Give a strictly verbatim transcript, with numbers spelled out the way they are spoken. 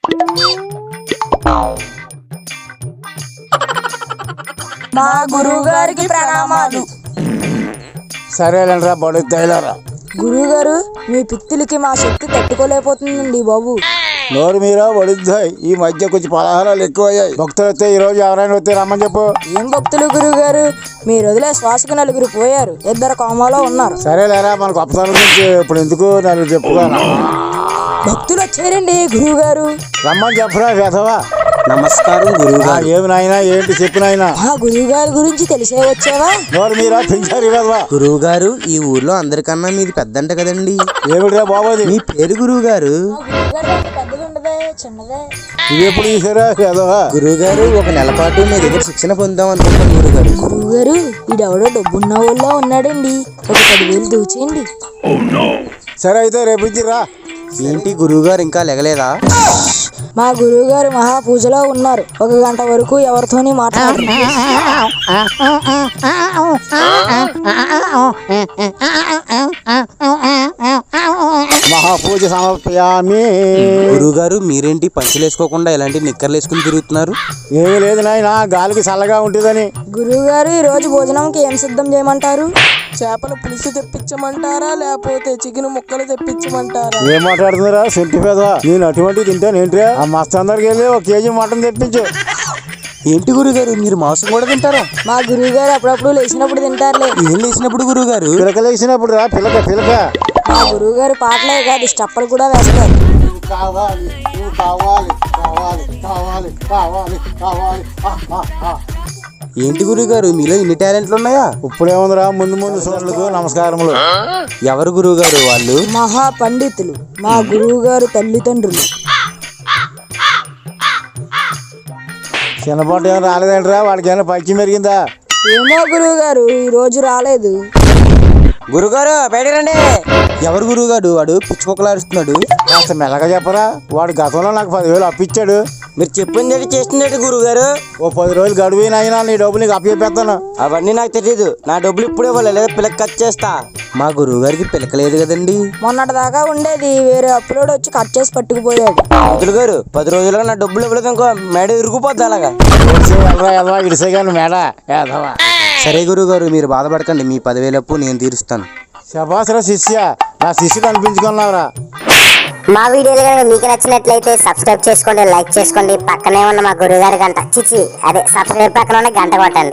మా గురువు గారికి ప్రణామాలు. సరేలేరా బడుతాయిలారా. గురువు గారు, మీ పిత్తులకి మా శక్తి తట్టుకోలేకపోతుందండి బాబు. నోరు మీరా బడుద్దాయి. ఈ మధ్య కొంచెం పలహారాలు ఎక్కువయ్యాయి. భక్తులు వస్తే ఈ రోజు ఎవరైనా వస్తే రమ్మని చెప్పు. ఏం భక్తులు గురువు గారు, మీరు వదిలే శ్వాసకు నలుగురు పోయారు, ఇద్దరు కోమాలో ఉన్నారు. సరేలేరా, మన గొప్పతనం గురించి ఇప్పుడు ఎందుకు నలుగురు చెప్పుకోను. భక్తులు వచ్చారండి గురువు గారు. రమ్మని చెప్పరా వేధవా. నమస్కారం గురువుగారు. ఏమి నాయనా, ఏంటి చెప్పు నాయనా. మా గురువు గారి గురించి తెలిసే వచ్చావా? నోరు మీరా పెంచారు వేధవా. గురువు గారు, ఈ ఊర్లో అందరికన్నా మీది పెద్దంట కదండి. ఏమిటిరా బాబోది మీ పేరు గురువు గారు? ఇది ఎప్పుడు తీసారా వేధవా. గురువు గారు, ఒక నెల పాటు మీ దగ్గర శిక్షణ పొందాం అనుకుంటాం గురువు గారు. గురువు గారు, ఈడెవడో డబ్బున్న వాళ్ళ ఉన్నాడండి, ఒక పదివేలు దూచేయండి. సరే అయితే రేపు రా. ఏంటి గురువు గారు ఇంకా లెగలేదా? మా గురువు గారు మహాపూజలో ఉన్నారు, ఒక గంట వరకు ఎవరితోని మాట్లాడరు. మహాపూజ సమర్పయామి. గురువు గారు, మీరేంటి పంచులు వేసుకోకుండా ఇలాంటి నిక్కర్లు వేసుకుని తిరుగుతున్నారు? ఏమీ లేదు నాయనా, గాలికి చల్లగా ఉంటుందని. గురువు గారు, ఈ రోజు భోజనంకి ఏం సిద్ధం చేయమంటారు? చేపల పులుసు తెప్పించమంటారా, లేకపోతే చికెన్ ముక్కలు తెప్పించమంటారా? ఏం మాట్లాడుతున్నారా సొంటి పేద. నేను అటువంటి తింటాను ఏంట్రా. ఆ మస్తు అందరికి వెళ్ళి ఒక కేజీ మటన్ తెప్పించు. ఏంటి గురువు గారు, మీరు మాంసం కూడా తింటారా? మా గురువు గారు అప్పుడప్పుడు లేచినప్పుడు తింటారులే. ఏం లేచినప్పుడు గురువు గారు? పిలకలేసినప్పుడు రా, పిలక పిలక. మా గురువు గారు పాటలే కాదు, స్టెప్పులు కూడా వేస్తారు. కావాలి కావాలి కావాలి కావాలి కావాలి కావాలి. ఏంటి గురువు గారు, మీలో ఇన్ని టాలెంట్లు ఉన్నాయా? ఇప్పుడేముందిరా, ముందు ముందు సోళ్ళకు నమస్కారములు. ఎవరు గురువు గారు వాళ్ళు? మహా పండితులు, మా గురువు గారు తల్లిదండ్రులు. చిన్నపాటు ఏమైనా రాలేదంటరా, వాడికి ఏమైనా పైకి మెరిగిందా? ఏమో గురువు గారు, ఈ రోజు రాలేదు. గురుగారు బయట రండి. ఎవరు గురువు గారు? వాడు పిచ్చుకొక్కలాడుస్తున్నాడు. కాస్త మెల్లగా చెప్పరా. వాడు గతంలో నాకు పదివేలు అప్పిచ్చాడు. మీరు చెప్పింది చేస్తున్నట్టు గురువు గారు. ఓ పది రోజులు గడువునైనా నీ డబ్బులు నీకు అప్పచెప్పేస్తాను. అవన్నీ నాకు తెలియదు. నా డబ్బులు ఇప్పుడే ఇవ్వాలి, లేదా పిల్లకి కట్ చేస్తా. మా గురువు గారికి పిలకలేదు కదండి. మొన్నటి దాకా ఉండేది, వేరే అప్లోడ్ వచ్చి కట్ చేసి పట్టుకుపోయాడు. పంతులు గారు, పది రోజులుగా నా డబ్బులు ఇవ్వలేదు ఇంకో మేడ ఇరుకుపోద్ది అలాగా. ఇడిసే కానీ మేడ ఏదవా. సరే గురువు గారు, మీరు బాధపడకండి, మీ పదివేలు అప్పు నేను తీరుస్తాను. శభాసరా శిష్య, నా శిష్యుడు అనిపించుకున్నావురా. మా వీడియోలు కనుక మీకు నచ్చినట్లయితే సబ్స్క్రైబ్ చేసుకోండి, లైక్ చేసుకోండి, పక్కనే ఉన్న మా గురువుగారి గంట చిచి అదే సబ్స్క్రైబ్ పక్కన ఉన్న గంట కొట్టండి.